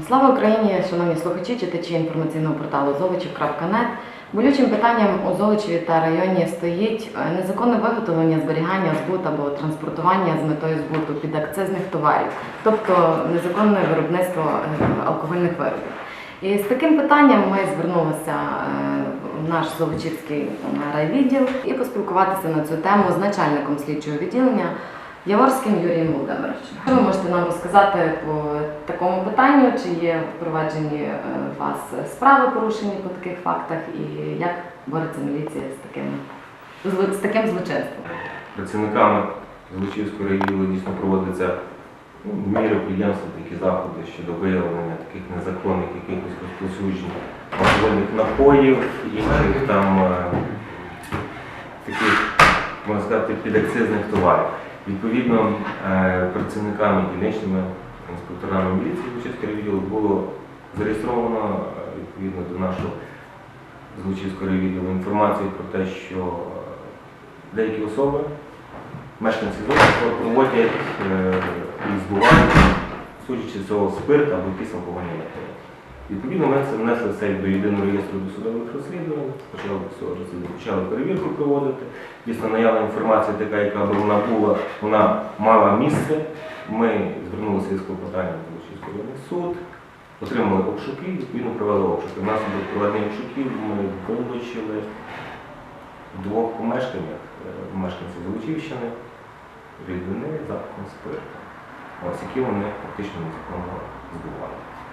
Слава Україні, шановні слухачі, читачі інформаційного порталу Золочів.нет. Болючим питанням у Золочеві та районі стоїть незаконне виготовлення, зберігання, збут або транспортування з метою збуту підакцизних товарів, тобто незаконне виробництво алкогольних виробів. І з таким питанням ми звернулися в наш Золочівський райвідділ і поспілкуватися на цю тему з начальником слідчого відділення Яворським Юрієм Володимировичем. Що ви можете нам розказати по такому питанню? Чи є впроваджені у вас справи порушені по таких фактах і як бореться міліція з таким злочинством? Працівниками Золочівського райвідділу дійсно проводяться міри підприємства, такі заходи щодо виявлення таких незаконних якихось розповсюджень алкогольних напоїв, інших там таких, можна сказати, підакцизних товарів. Відповідно, працівниками дільничними інспекторами міліції Золочівського райвідділу було зареєстровано відповідно до нашого Золочівського райвідділу інформацію про те, що деякі особи, мешканці Золочева, проводять і збувають, судячи з цього, спирт або якісь алкогольні напої. Відповідно, ми внесли це до єдиного реєстру досудових розслідувань, почали перевірку проводити. Дійсно, наявна інформація така, яка б вона була, вона мала місце. Ми звернулися із клопотанням в Золочівський районний суд, отримали обшуки, відповідно провели обшуки. Внаслідок проведення обшуків ми вилучили в двох помешканнях мешканців Золочівщини рідини запахом спирту, які вони фактично незаконно збували.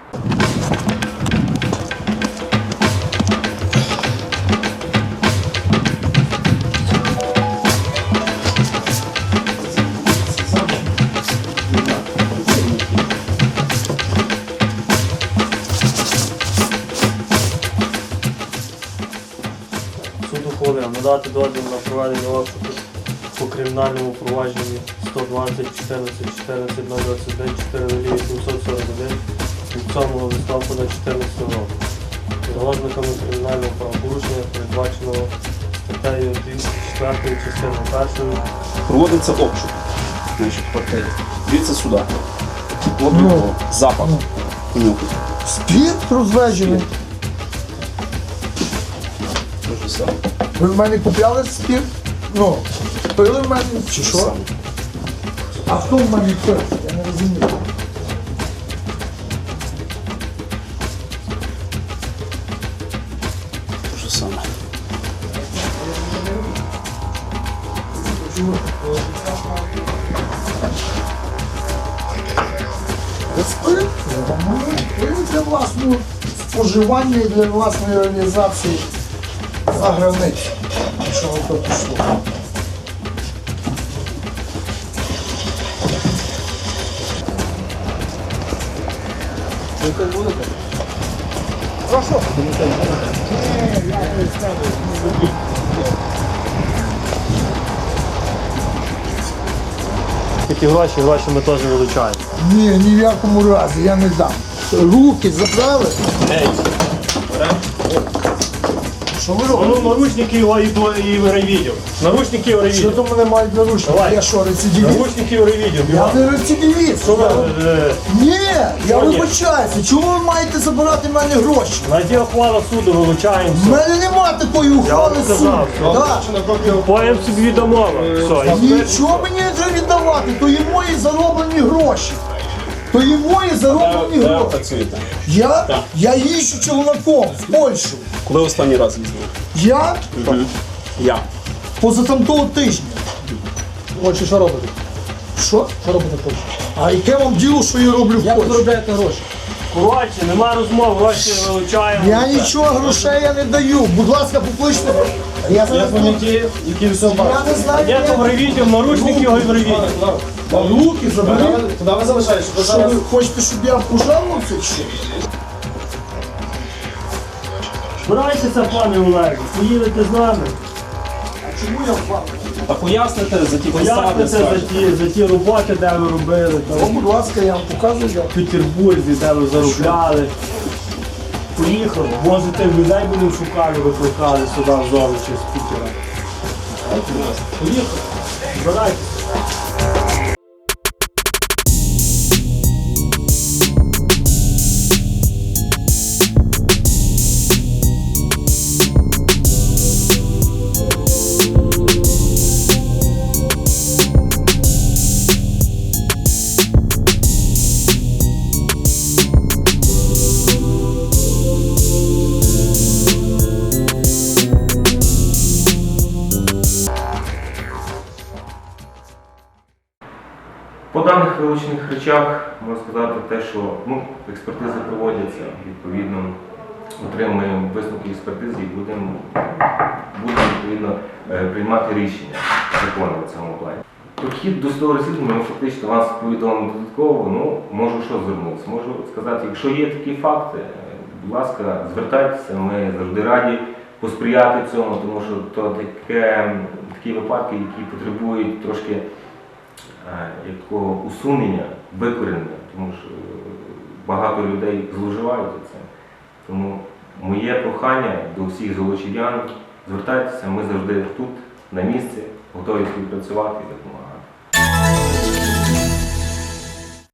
Суд ухвалив надати дозвіл на проведення обшуку по кримінальному провадженні 120 14 14 021 4 841 від 7 листопада 2014 року. За ознаками кримінального правопорушення, передбаченого статтею 4 частиною 1. Проводиться обшук. Значить, в квартирі. Дивіться сюди. От його запах. Нюхать. Спірт розведений. Те ж саме. Ви в мене купляли спірт? Ну, пили в мене чи Те ж що? саме. А хто в мене пив? Я не розумію. Те ж саме. Спирт? Пили для власного споживання і для власної реалізації за границю. Що ви то пішло? Прошу. Такі гроші ми теж вилучаємо. Ні в якому разі, я не дам. Руки забрали. Що ви робите? Ну, наручники і райвідділ. Наручники і Що райвідділ. то мене мають наручники? Давай. Я що, рецидивіст? Наручники і райвідділ. Я не рецидивіст. Ні, я вибачаюся. Чому ви маєте забирати в мене гроші? Найди ухвалу суду, вилучаємо. В мене нема такої ухвали вам суду. сказав, Так. Поїм собі відомо. Нічого мені не треба віддавати, то є мої зароблені гроші. То є мої зароблені Де гроші. працюєте? Я їжджу челноком в Польщу. Коли останній раз їздили? Я Я. позатамтого тижня. Отже, що робите? Що? Що робите в Польщі? А яке вам діло, що я роблю в Як ви Польщі? заробляєте гроші? Коротше, нема розмов, гроші вилучаємо. Я нічого грошей я не даю. Будь ласка, покличте. Я зараз тут. Які все Я не знаю, Є то в райвідділ, наручники його і в райвідділ. руки забери. Куди ви залишаєте? Що ви хочете, щоб я пожалувався чи що? Збирайтеся, пане Олег, поїдете з нами. Чому я впав? А поясните за ті посади, Поясните за ті роботи, де ви робили, там, Будь ласка, я вам показую. в Петербурзі, де ви заробляли. Поїхали, може тих людей будемо шукати, викликали сюди в Золочів з Пітера. Поїхали, збирайтеся. зазначених речах можна сказати те, що експертизи проводяться, відповідно отримуємо висновки експертизи і будемо відповідно приймати рішення закони в цьому плані. Підхід до судового розслідування, фактично вас повідомимо додатково, можу що звернутися. Можу сказати, якщо є такі факти, будь ласка, звертайтеся, ми завжди раді посприяти цьому, тому що то такі випадки, які потребують трошки як такого усунення, викорінення, тому що багато людей зловживають цим. Тому моє прохання до всіх золочів'ян, звертайтеся, ми завжди тут, на місці, готові співпрацювати і допомагати.